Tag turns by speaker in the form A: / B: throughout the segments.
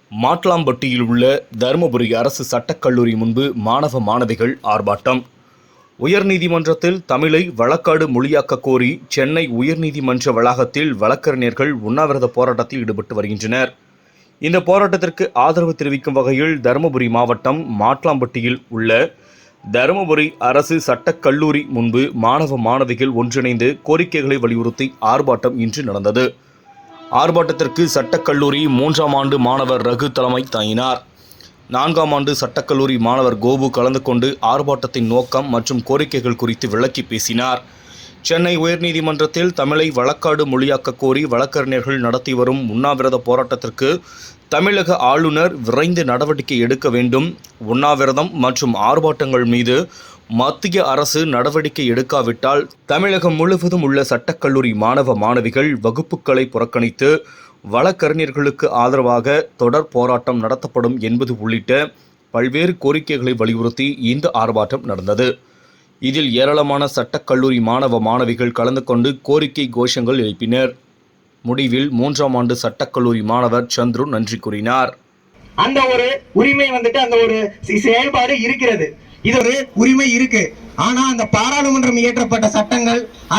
A: மாட்லாம்பட்டியில் உள்ள தருமபுரி அரசு சட்டக்கல்லூரி முன்பு மாணவ மாணவிகள் ஆர்ப்பாட்டம். உயர்நீதிமன்றத்தில் தமிழை வழக்காடு மொழியாக்க கோரி சென்னை உயர்நீதிமன்ற வளாகத்தில் வழக்கறிஞர்கள் உண்ணாவிரத போராட்டத்தில் ஈடுபட்டு வருகின்றனர். இந்த போராட்டத்திற்கு ஆதரவு தெரிவிக்கும் வகையில் தருமபுரி மாவட்டம் மாட்லாம்பட்டியில் உள்ள தருமபுரி அரசு சட்டக்கல்லூரி முன்பு மாணவ மாணவிகள் ஒன்றிணைந்து கோரிக்கைகளை வலியுறுத்தி ஆர்ப்பாட்டம் இன்று நடந்தது. ஆர்ப்பாட்டத்திற்கு சட்டக்கல்லூரி 3ஆம் ஆண்டு மாணவர் ரகு தலைமை தாங்கினார். 4ஆம் ஆண்டு சட்டக்கல்லூரி மாணவர் கோபு கலந்து கொண்டு ஆர்ப்பாட்டத்தின் நோக்கம் மற்றும் கோரிக்கைகள் குறித்து விளக்கி பேசினார். சென்னை உயர்நீதிமன்றத்தில் தமிழை வழக்காடு மொழியாக்க கோரி வழக்கறிஞர்கள் நடத்தி வரும் உண்ணாவிரத போராட்டத்திற்கு தமிழக ஆளுநர் விரைந்து நடவடிக்கை எடுக்க வேண்டும். உண்ணாவிரதம் மற்றும் ஆர்ப்பாட்டங்கள் மீது மத்திய அரசு நடவடிக்கை எடுக்காவிட்டால் தமிழகம் முழுவதும் உள்ள சட்டக்கல்லூரி மாணவ மாணவிகள் வகுப்புகளை புறக்கணித்து வழக்கறிஞர்களுக்கு ஆதரவாக தொடர் போராட்டம் நடத்தப்படும் என்பது உள்ளிட்ட பல்வேறு கோரிக்கைகளை வலியுறுத்தி இந்த ஆர்ப்பாட்டம் நடந்தது. இதில் ஏராளமான சட்டக்கல்லூரி மாணவ மாணவிகள் கலந்து கொண்டு கோரிக்கை கோஷங்கள் எழுப்பினர். முடிவில் 3ஆம் ஆண்டு சட்டக்கல்லூரி மாணவர் சந்துரு நன்றி கூறினார்.
B: அந்த ஒரு உரிமை அந்த ஒரு செயல்பாடு இருக்கிறது. இது ஒரு உரிமை இருக்கு. ஆனா அந்த பாராளுமன்றம் இயற்றப்பட்ட சட்டங்கள்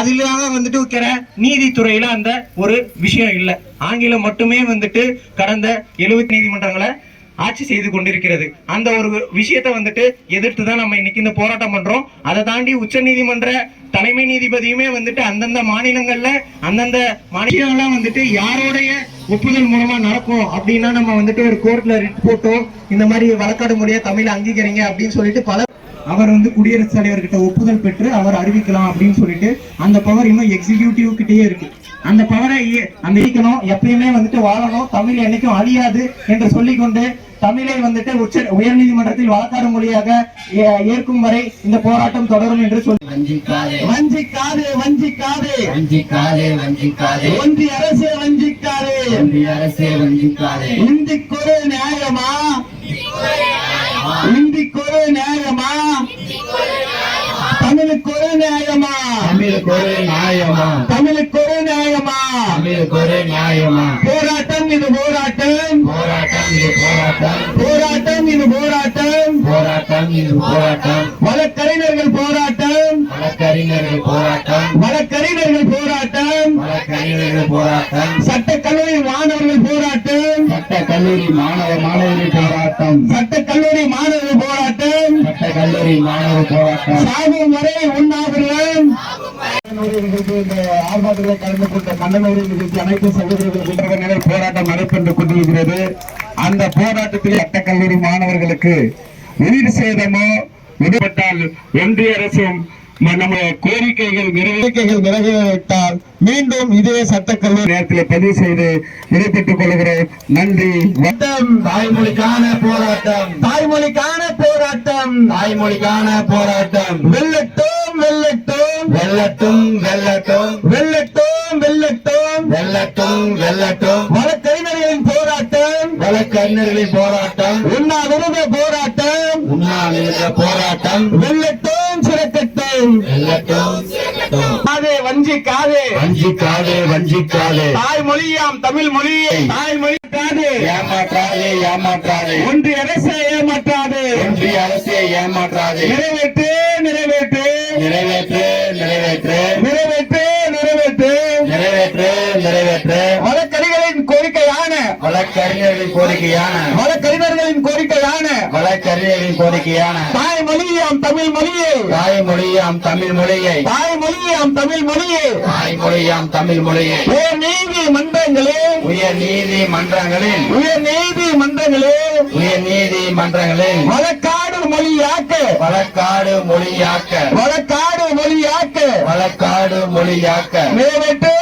B: அதிலாக நீதித்துறையில அந்த ஒரு விஷயம் இல்ல. ஆங்கிலம் மட்டுமே கடந்த 70 நீதிமன்றங்களை ஆட்சி செய்து கொண்டிருக்கிறது. அந்த ஒரு விஷயத்தை எதிர்த்து தான் நம்ம இன்னைக்கு இந்த போராட்டம் பண்றோம். அதை தாண்டி உச்ச நீதிமன்ற தலைமை நீதிபதியுமே அந்தந்த மாநிலங்கள்ல அந்தந்த மாநிலங்கள்லாம் யாரோடைய ஒப்புதல் மூலமா நடக்கும் அப்படின்னா நம்ம ஒரு கோர்ட்ல ரிட் போட்டோ இந்த மாதிரி வழக்காடு மொழியா தமிழை அங்கீகரிங்க அப்படின்னு சொல்லிட்டு பல அவர் குடியரசுத் தலைவர்கிட்ட ஒப்புதல் பெற்று அவர் அறிவிக்கலாம் அப்படின்னு சொல்லிட்டு அந்த பவர் இன்னும் எக்ஸிகியூட்டிவ் கிட்டே இருக்கு. அந்த பவரை அந்த எப்பயுமே வாழணும், தமிழ் என்னைக்கும் அழியாது என்று சொல்லிக்கொண்டு தமிழை உயர்நீதிமன்றத்தில் வழக்காடு மொழியாக ஏற்கும் வரை இந்த போராட்டம் தொடரும் என்று சொல்லி வஞ்சிக்காதே வஞ்சிக்காதே வஞ்சிக்காதே ஒன்றிய அரசே வஞ்சிக்காதே இந்திக்கொரு நியாயமா இந்திக்கொரு நியாயமா தமிழுக்கொரு நியாயமா தமிழுக்கொரு நியாயமா தமிழுக்கொரு நியாயமா தமிழுக்கொரு நியாயமா போராட்டம் இது போராட்டம் போராட்டம் இது போராட்டம் போராட்டம் இது போராட்டம் போராட்டம் இது போராட்டம் வழக்கறிஞர்கள் போராட்டம் வழக்கறிஞர்கள் போராட்டம் வழக்கறிஞர்கள் போராட்டம் வழக்கறிஞர்கள் போராட்டம் சட்டக்கல்லூரி மாணவர்கள் போராட்டம் சட்டக்கல்லூரி மாணவர்கள் போராட்டம் சட்டக்கல்லூரி மாணவர்கள் போராட்டம் சட்டக்கல்லூரி மாணவர் போராட்டம் சாகும் வரை உண்ணாவிரதம். ஆர்ப்பாட்டத்தில் கலந்து கொண்ட கண்டனூரி நிகழ்ச்சி அனைத்து சகோதரர்கள் போராட்டம் நடைபெற்றுக் கொண்டிருக்கிறது. அந்த போராட்டத்தில் சட்டக்கல்லூரி மாணவர்களுக்கு உயிர் சேதமோ விடுபட்டால் ஒன்றிய அரசும் நம்ம கோரிக்கைகள் நிறைவேற்றால் மீண்டும் இதே சட்டக்கல்லூரி நேரத்தில் பதிவு செய்து விடைபெற்றுக் கொள்கிறோம். நன்றி. தாய்மொழிக்கான போராட்டம் தாய்மொழிக்கான போராட்டம் தாய்மொழிக்கான போராட்டம் வெல்லட்டும் வெல்லட்டும் வெல்லட்டும் வெல்லட்டும் வெல்லட்டும் வெல்லட்டும் வெல்லட்டும் வெல்லட்டும் வழக்கறிஞர்களின் போராட்டம் வழக்கறிஞர்களின் போராட்டம் உண்ணாவிரத போராட்டம் உண்ணாவிரத போராட்டம் வெல்லட்டும் சிறக்கட்டும் வெல்லட்டும் வஞ்சிக்காதே வஞ்சிக்காதே வஞ்சிக்காதே தாய்மொழியாம் தமிழ் மொழியை தாய்மொழிக்காதே ஏமாற்றாதே ஏமாற்றாதே ஒன்றிய அரசை ஏமாற்றாதே ஒன்றிய அரசை ஏமாற்றாதே நிறைவேற்று நிறைவேற்று நிறைவேற்று நிறைவேற்று நிறைவேற்று நிறைவேற்று நிறைவேற்று நிறைவேற்று வழக்கறிஞர்களின் கோரிக்கையான வழக்கறிஞர்களின் கோரிக்கையான வழக்கறிஞர்களின் கோரிக்கையான வழக்கறிஞர்களின் கோரிக்கையான தாய்மொழியாம் தமிழ் மொழியை தாய்மொழியாம் தமிழ் மொழியை தாய்மொழியாம் தமிழ் மொழியை தாய்மொழியாம் தமிழ் மொழியை உயர் நீதிமன்றங்களில் உயர் நீதிமன்றங்களில் உயர் நீதிமன்றங்களில் உயர் நீதிமன்றங்களில் வழக்காடு மொழியாக்க வழக்காடு மொழியாக்க வழக்காடு மொழியாக்க வழக்காடு மொழியாக்க நிறைவேற்று